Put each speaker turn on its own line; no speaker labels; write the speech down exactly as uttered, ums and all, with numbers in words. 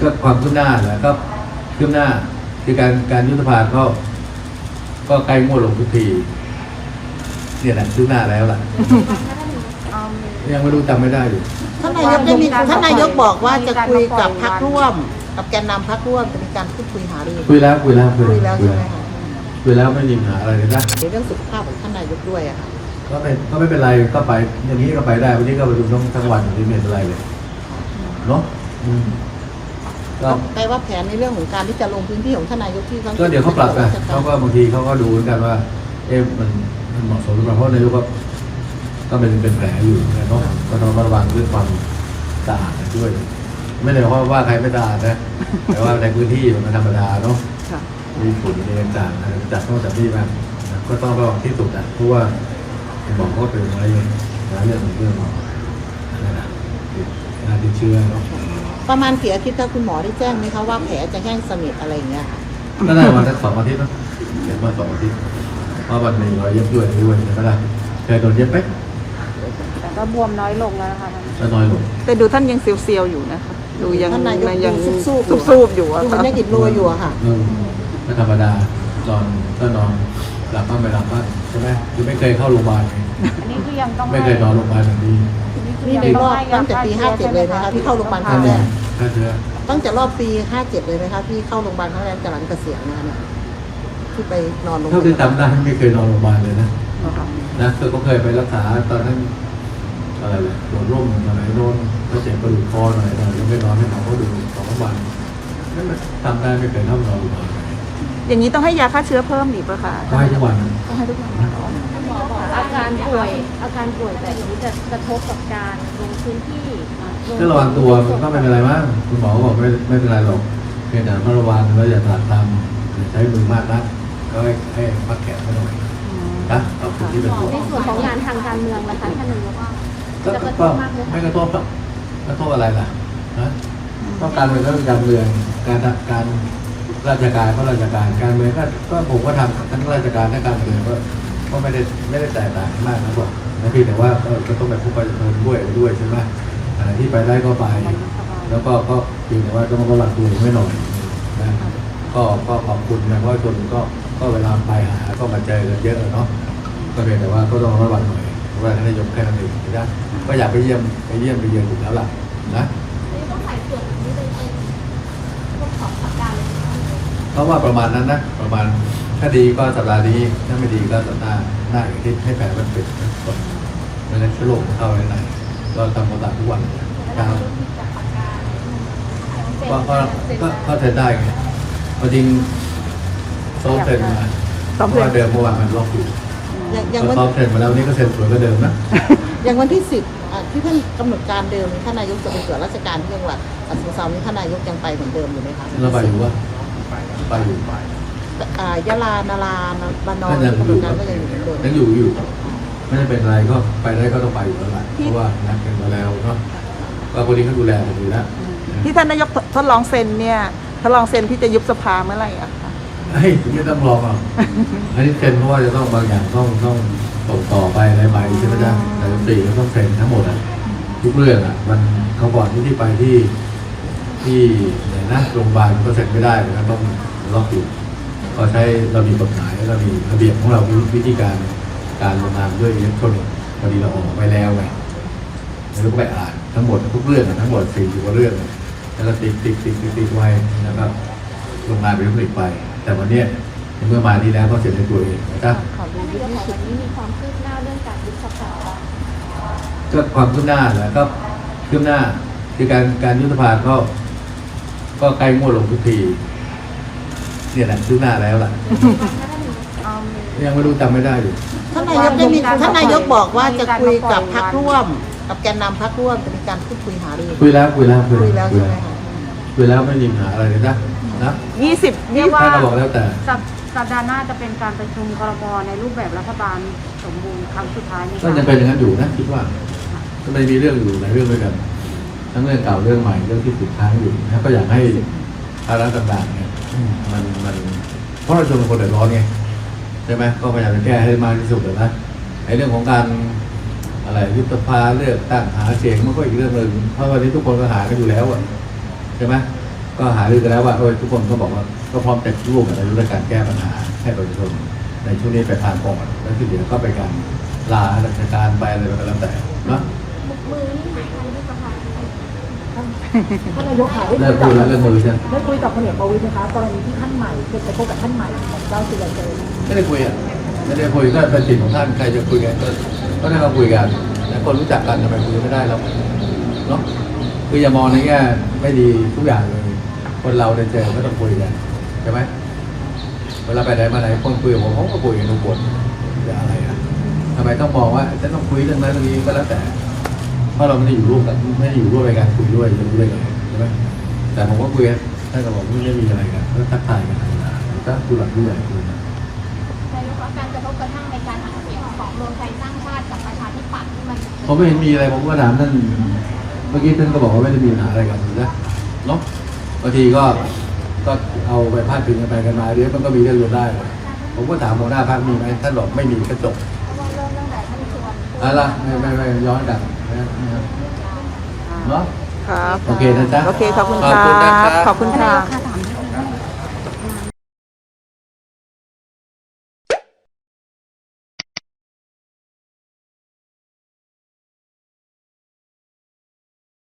ก็ความคืบหน้าแหละก็คืบหน้าคือการการยุทธภาก็ก็ใกล้งวดลงทุกทีเนี่ยแหละคืบหน้าแล้วล่ะยังไม่รู้จำไม่ได้อยู่
ท่านนายกได้มีท่านนายกบอกว่าจะคุยกับพรรคร่วมกับแกนนำพรรคร่วมจะมีการพูดคุยหารือ
คุยแล้วคุยแล้ว
คุยแล้วใช่ไหมคะ
คุยแล้วไม่มีปัญหาอะไรเลยนะ
ในเรื่องสุขภาพของท่านนายกด้วยอะค่ะ
ก็ไม่ก็ไม่เป็นไรก็ไปอย่างนี้ก็ไปได้วันนี้ก็ไปดูทั้งทั้งวันไม่เป็นไรเลยเนาะ
ก็แปลว่าแผนในเรื่องของการที่จะลงพื้นที่ของท่านนายกที่
ก็เดี๋ยวเขาปรับกันเขาก็บางทีเขาก็ดูเหมือนกันว่าเอ๊ะมันมันเหมาะสมหรือเปล่าเพราะนายกก็ก็เป็นเป็นแผลอยู่เนาะก็ต้องระวังเรื่องความสะอาดด้วยไม่ได้เพราะว่าใครไม่สะอาดนะแต่ว่าในพื้นที่มันธรรมดาเนาะมีฝุ่นมีต่างๆจัดต้องจัดที่บ้างก็ต้องระวังที่สุดนะเพราะว่าบอกเขาเป็นอะไรเรื่องเรื่องอะไรนะการติดเชื้อเนาะ
ประมาณกี่อาทิตย์ถ้าคุณหมอได้แจ้งไหมคะว่าแผลจะแห้งสนิทอะไรอย่างเงี้ย
ก็ได้วันสักสองอาทิตย์เนาะเห็นว่าสองอาทิตย์เพราะวันหนึ่งเราเย็บด้วยด้วยใช่ไหมล่ะเคยโดนเย็บไหม
แต่ก็บวมน้อยลงแล้วนะคะ
ก็น้อยลง
แต่ดูท่านยังเซียวๆอยู่นะคะดูยังยัง
ซูบ
ซูบอยู่อะ
มันยังกินรัวอยู่อะค่ะ
ไม่ธรรมดาตอนก็นอนหลับบ้างไม่หลับบ้างใช่ไหมคือไม่เคยเข้าโรงพยาบาล
อันนี้คือยังต้อง
ไม่เคยนอนโรงพยาบาลแบบนี้
นี่ในรอบตั้งแต่ปีห้าเจ็ดเลยนะคะที่เข้าโรงพยาบาลครั้งแรกตั้งแต่รอบปีห้าเจ็ดเลยนะคะที่เข้าโรงพยาบาลครั้งแรกจากหลังเกษียณนะคะเนี่ยที่ไปนอนโรงพยาบาล
เท่าที่จำได้ไม่เคยนอนโรงพยาบาลเลยนะนะคือก็เคยไปรักษาตอนนั้นอะไรเลยโดนร่มอะไรโดนก็เจ็บกระดูกคอหน่อยหน่อยยังไม่นอนให้หมอเขาดูสองวันนั่นทำได้ไม่เคยเข้านอนโรงพยาบาล
อย่างนี้ต้องให้ยาฆ่าเชื้อเพิ่มอีกป่ะคะ
ให้ทุกวัน
ต้องให้ทุกวัน
อาการป่วยอาการป่วยแบบนี้จะกระทบกับการลงพื้นที่
ก็ระวังตัวมันก็ไม่เป็นไรมากคุณหมอบอกไม่ไม่เป็นไรหรอกเพียงแต่ระวังแล้วอย่าตัดทำใช้มือมากนักก็ให้ให้พักแขนไว้หน่อยนะเอาคนที่เป็นห่วง
ในส่วนของงานทางการเมืองนะคะท่านนายก
จะกระทบมากไม่กระทบหรอกกระทบอะไรล่ะนะก็การเมืองก็เป็นการเมืองการการราชการก็ราชการการเมืองก็ก็ผมก็ทำทั้งราชการและการเมืองก็ก็ไม่ได้ไม่ได้แตกต่างมากนะบอกนะพี่แต่ว่าก็ต้องไปพบประชาชนด้วยด้วยใช่ไหมอะไรที่ไปได้ก็ไปแล้วก็ก็เพียงแต่ว่าต้องระวังตัวไม่หน่อยนะก็ก็ขอบคุณนะเพราะชนก็ก็เวลาไปหาก็มาเจอกันเยอะเนาะก็เพียงแต่ว่าก็ต้องระวังหน่อยเพราะว่าท่านนายกแค่นั้นเองนะก็อยากไปเยี่ยมไปเยี่ยมไปเยือนอยู่แล้วล่ะนะเพราะว่าประมาณนั้นนะประมาณถ้าดีก็สัปดาห์นี้ถ้าไม่ดีก็สัปดาห์หน้าอีกทีให้แผลมันปิดก่อนไม่งั้นเชื้อโรคเข้าในไหนเราทำความสะอาดทุกวันนะครับก็ก็ก็ก็เทรนได้ไงพอจริงโซ่เทรนมาเพราะว่าเดิมเมื่อวานมันล็อกอยู่อย่างวันเทรนมาแล้วนี่ก็เซ็นสวยก็เดิมนะ
อย่างวันที่สิบที่ท่านกำหนดการเดิมท่านนายกจะไปตรวจราชการที่จังหวัดอัสสัมชัญนี้ท่านนายกยังไปเหมือนเดิมอยู่ไหมคะ
เราไปอยู่ว่าไปอยู่ไป
ยะลานาราบานอนกำหนดการก็ยังอยู่เหมือนเดิม
ยังอยู่อยู่ไม่ได้เป็นอะไรก็ไปได้ก็ต้องไปอยู่แล้วแหละเพราะว่านัดกันมาแล้วเนาะก็คนนี้เขาดูแลผมอยู่แล้ว
ที่ท่านนายกทดลองเซ็นเนี่ยทดลองเซ็นที่จะยุบสภาเมื่อไหร่อ่ะคะ
เฮ้ยไม่ต้องลองอ่ะอันนี้เซ็นเพราะว่าจะต้องบางอย่างต้องต้องส่งต่อไปอะไรไปใช่ไหมจ๊ะแต่ตีก็ต้องเซ็นทั้งหมดอ่ะทุกเรื่องอ่ะมันเขาก่อนที่ที่ไปที่ที่ไหนนะโรงพยาบาลก็เซ็นไม่ได้มันต้องล็อกอยู่ก็ใช้เรามีกฎหมายเรามีระเบียบของเราวิธีการการลงนามด้วยอิเล็กทรอนิกส์พอดีเราออกไปแล้วไงแล้วก็ไปอ่านทั้งหมดทุกเรื่องทั้งหมดสี่สิบกว่าเรื่องแล้วก็ติ๊กติ๊กติ๊กติ๊กไว้แล้วก็ลงนามเป็นผลิตไปแต่วันนี้เมื่อมาที่แล้วก็เสร็จในตัวเองนะครับ
วันนี้มีความคืบหน้าเรื่องการยุบสภา
ก็ความคืบหน้าแหละก็คืบหน้าคือการการยุบสภาก็ก็ใกล้งวดลงทุกทีเนี่ยแหละคืบหน้าแล้วล่ะยังไม่รู้จำไม่ได้อยู่
ท่านนายกได้มีท่านนายกบอกว่าจะคุยกับพรรคร่วมกับแกนนำพรรคร่วมจะมีการพูดคุยหารือ
คุยแล้วคุยแล้ว
คุยแล้วใช่ไหมคะ
คุยแล้วไม่มีปัญหาอะไรเลยนะนะ
ยี่สิบ
เรียกว่า
บอกแล้วแต่
สัปดาห์หน้าจะเป็นการประชุมครม.ในรูปแบบรัฐบาลสมบูรณ์ครั้งสุดท้ายนี่
ก็ยังเป็นอย่างนั้นอยู่นะคิดว่าก็ไม่มีเรื่องอยู่หลายเรื่องด้วยกันทั้งเรื่องเก่าเรื่องใหม่เรื่องที่ติดค้างอยู่นะก็อยากให้ภาระต่างๆเนี่ยมันมันเพราะเราชนคนเดือดร้อนไงใช่ไหมก็พยายามจะแก้ให้มากที่สุดเลยนะไอ้เรื่องของการอะไรยุบสภาเลือกตั้งหาเสียงมันก็อีกเรื่องหนึ่งเพราะวันนี้ทุกคนก็หากันอยู่แล้วอ่ะใช่ไหมก็ก็หารือกันแล้วว่าเออทุกคนก็บอกว่าก็พร้อมจะร่วมกันในเรื่องการแก้ปัญหาให้ประชาชนในช่วงนี้ไปทางก่อนแล้วที่เหลือก็ไปการลาราชการไปอะไรก็แล้วแต่เนาะ
มือนี่หายไปที่สภา
ท่านนายกค่ะ
เลิกพูดแล้วเรื่องมือฉัน
ได้คุยกับพลเอกประวิตรนะคะกรณีที่ท่านใหม่เป็นไปพบกับท่านใหม่ของเจ้าสุรเจริญ
ไม่ได้คุยอ่ะไม่ได้คุยก็เป็นสิทธิ์ของท่านใครจะคุยกันก็ก็ได้มาคุยกันแต่คนรู้จักกันทำไมคุยไม่ได้เราเนาะคืออย่ามองในแง่ไม่ดีทุกอย่างเลยคนเราได้เจอก็ต้องคุยกันใช่ไหมเวลาไปไหนมาไหนคนคุยกับผมผมก็คุยกันทุกคนจะอะไรอ่ะทำไมต้องมองว่าจะต้องคุยเรื่องนั้นเรื่องนี้ก็แล้วแต่เพราะเราไม่ได้อยู่ร่วมกันไม่ได้อยู่ร่วมในการคุยด้วยจะรู้ได้ไงใช่ไหมแต่ผมก็คุยท่านก็บอกไม่ได้มีอะไรกันก็ทักทายกันธรรมดาก็คุยหลักผู้ใหญ่คุยกัน
นายกว่าการกระทบกระทั่งในการหาเสียงของรวมไทยสร้างชาติกับประชาธิปัตย์ที่มัน
ผมไม่เห็นมีอะไรผมก็ถามท่านเมื่อกี้ท่านก็บอกว่าไม่ได้มีปัญหาอะไรกันนะเนาะบางทีก็ก็เอาไปพาดพิงกันไปกันมาเดี๋ยวมันก็มีเรื่องรวมได้ผมก็ถามหัวหน้าพรรคมีไหมท่านบอกไม่มีก็จบ
เริ่มตั้งแต่ท่านชวน
อะไรไม่ไม่ไม่ย้อนกลับนะเนาะ
ครับ
โอเคนะจ๊ะ
โอเคขอบคุณ
ขอบ
ค
คุณนะ
รับ
ครับ
ขอบคุณค่ะ
ค่ะ